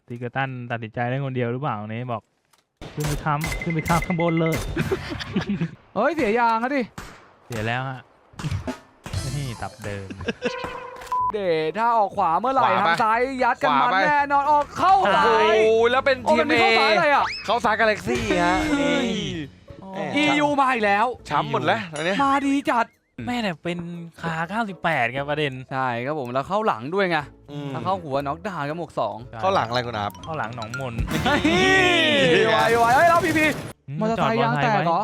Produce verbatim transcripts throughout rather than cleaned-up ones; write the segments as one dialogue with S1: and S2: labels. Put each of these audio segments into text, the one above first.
S1: ติกตันตัดสินใจได้คนเดียวหรือเปล่าเนี่ยบอกขึ้นไปค้ำขึ้นไปค้ำข้างบนเลย
S2: เฮ้ยเสียยางอะดิ
S1: เสียแล้วฮะ นี่ตับเดิม
S2: เดชถ้าออกขวาเมื่อไหร่
S3: ขวา
S2: ทา
S3: ไป
S2: งซ้ายยัดกัน
S3: ขวา
S2: มัน
S3: ไป
S2: แน่นอนออกเข้า
S3: โอ้
S2: ซ้า
S3: โห
S2: ย
S3: แล้วเป็น
S2: โอ้
S3: ที
S2: มั
S3: ม
S2: นมี
S3: เอ
S2: เข้าซ้ายอะไรอ่ะ
S3: เข้าซ้ายกาแล็กซี่ฮะนี่
S2: อี ยูมาอีกแล้ว
S3: ช้ำหมดแล้วตอนนี้
S2: มาดีจัด
S1: แม่เนี่ยเป็นคาเก้าสิบแปดไงประเด็น
S2: ใช่ครับผมแล้วเข้าหลังด้วยไง
S3: อืม
S2: ถ้าเข้าหัวน็อกดาวน์กับหมวกสอง
S3: เข้าหลังอะไรคุณอาบ
S1: เข้าหลังหนองมน
S2: ไวไวเฮ้ยแล้วพีพีมอเตอร์
S1: จ
S2: ไซ
S1: ด
S2: ค์ยางแตกเหรอ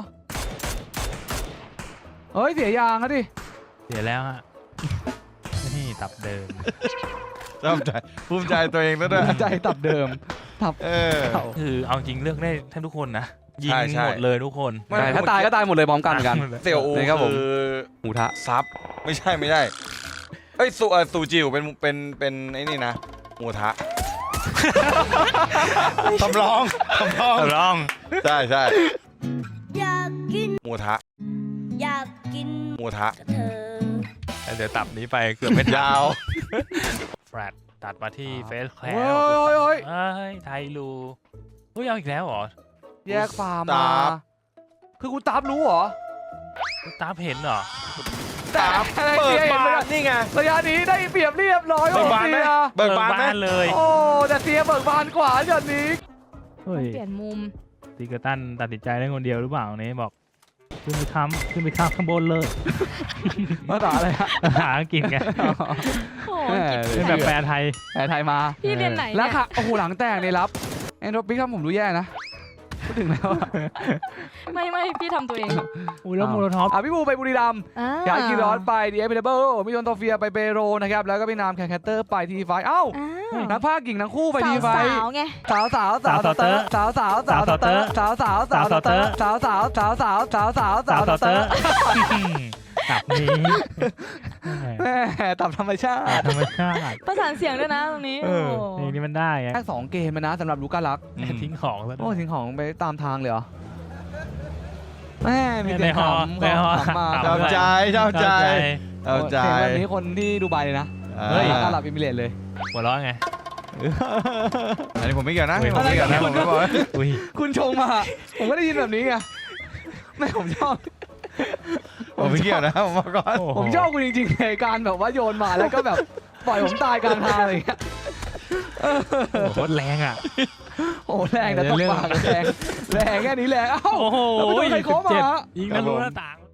S2: เฮ้ยเสียยางอะดิ
S1: เสียแล้วฮะ นี่ตับเดิม
S3: ภูมิใจภูมิใจตัวเองแล้วด้วย
S2: ใจตับเดิมตับ
S3: เออ
S2: เก่า
S1: คือเอาจริงเลือกได้แทบทุกคนนะยิง
S3: ใช่ใช่
S1: หมดเลยทุกคน
S3: ไม่
S2: ใช่ถ้าตายก็ตายหมดเลยพร้อมกันเหมือนกัน
S3: เสี่ยวอู
S2: นี่ครับผม
S3: คือ
S2: หมูทะ
S3: ซับไม่ใช่ไม่ใช่เอ้ยสูเอ่อสูจิวเป็นเป็นเป็นไอ้นี่นะหมูทะทำร้องทำร้อง
S1: ลอง
S3: ใช่ใช่
S4: อยากกิน
S3: หมูทะ
S4: อยากกิน
S3: หมูทะ
S4: กับเธอ
S1: เดี๋ยวตับนี้ไปเกือบไม่ทัน
S3: ยาว
S1: แฟลตตัดมาที่เฟสแคล
S2: เฮ้ยเฮ้ยเฮ้ย
S1: เอ้ยไทยรูเฮ้ยเอาอีกแล้วเหรอ
S2: แยกฟาร์มมาคือกูตับรู้เหรอ
S1: ตาเห็นเหรอ
S2: แต่
S3: เปิด
S2: เสีย
S3: บานนี่ไง
S2: ระยะนี้ได้เปรียบเรียบร้อย
S3: เบิกบานไหม
S2: เสีย
S3: เบิกบานไหม
S1: เลย
S2: โอ้แต่เสียเบิกบานกว่าเดี๋ยวนี้
S1: เฮ้ย
S4: เปลี่ยนมุม
S1: ติกตันตัดสินใจได้คนเดียวหรือเปล่าเนี่ยบอกขึ้นไปค้ำขึ้นไปค้ำข้างบนเลย
S2: ภาษาอะไรฮะ
S1: หาอังกฤษไง
S4: โอ้
S2: แหม่
S1: เป็นแบบแปลไทย
S2: แผลไทยมา
S4: พี่เรียนไหน
S2: แล้ว
S4: เนี่ย
S2: ค่ะโอ้โหหลังแตกในรับแอนโทรปิกทำผมดูแย่นะพูดถึงแล้วอะ
S4: ไม่ไม่พี่ทำตัวเอง
S1: อุ้ยแล้วโมโลท็อป
S2: อ่ะพี่บูไปบุรีรัมย์
S4: อ่า
S2: ย้ายกีรอสไปดีเอฟเดเบิลมิโยนโตเฟียไปเปโรนะครับแล้วก็พี่นามแคนแคตเตอร์ไปทีไฟเอ้า
S4: อ้าว
S2: นักภาคหญิงทั้งคู่ไปทีไฟ
S4: สาวๆไง
S2: สาวสาวสาวเตอร์สาวสาวสาวเตอร์สาวสาวสาวเตอร์สาวสาวสาวสาวสาวสาวสาว
S1: สาว
S2: เต
S1: เต
S2: อ
S1: อ
S2: ร์
S1: ร์ตับนี้
S2: แม่ตับธรรมชาติ
S1: ธรรมชาติ
S4: ประสานเสียงด้วยนะตรงนี้
S1: เอ
S4: โอ้
S1: อนี่นี่มันได้ไง
S2: แค่สองเกมนะสำหรับลูก้าลัก
S1: ทิ้งของซะ
S2: โอ้
S1: ด้วย
S2: ทิ้งของไปตามทางเลยเหรอแม่มี
S1: ใน
S2: แต่
S1: ฮอ
S2: ขำ
S1: ในฮอ
S2: ขำมา
S3: ชอบใจชอบใจชอบใจ
S2: เสียงแบบนี้คนที่ดูไบเลยนะ
S3: เฮ้ย
S2: ตลาดอิมิเรตเลย
S1: หัวเราะไง
S3: อันนี้ผมไม่เกี่ยวนะ
S1: เฮ้ย
S3: ผมไม่เกี่ยวนะ
S2: อะไร
S3: ผ
S2: กัน
S3: มไม่บอกนะ
S1: อุ้ย
S2: คุณชงมา ผมก็ได้ยินแบบนี้ไงแม่ผมชอบ
S3: ผมไม่เกี่ยวนะผมบอกก่อน
S1: โอ้โห
S2: ผมชอบคุณจริงๆในการแบบว่าโยนมาแล้วก็แบบปล่อยผมตายกลางทางอะไรอย่างเงี้ย
S1: โอ้โหโคตรแรงอ่ะ
S2: โอ้แรงแต่ต้องปากแรงแรงแค่นี้แรงเอ้า
S1: โอ้โห
S2: แล้วไปโดนใครเคาะมา
S1: สิบเจ็ดยิงทะลุหน้าต่าง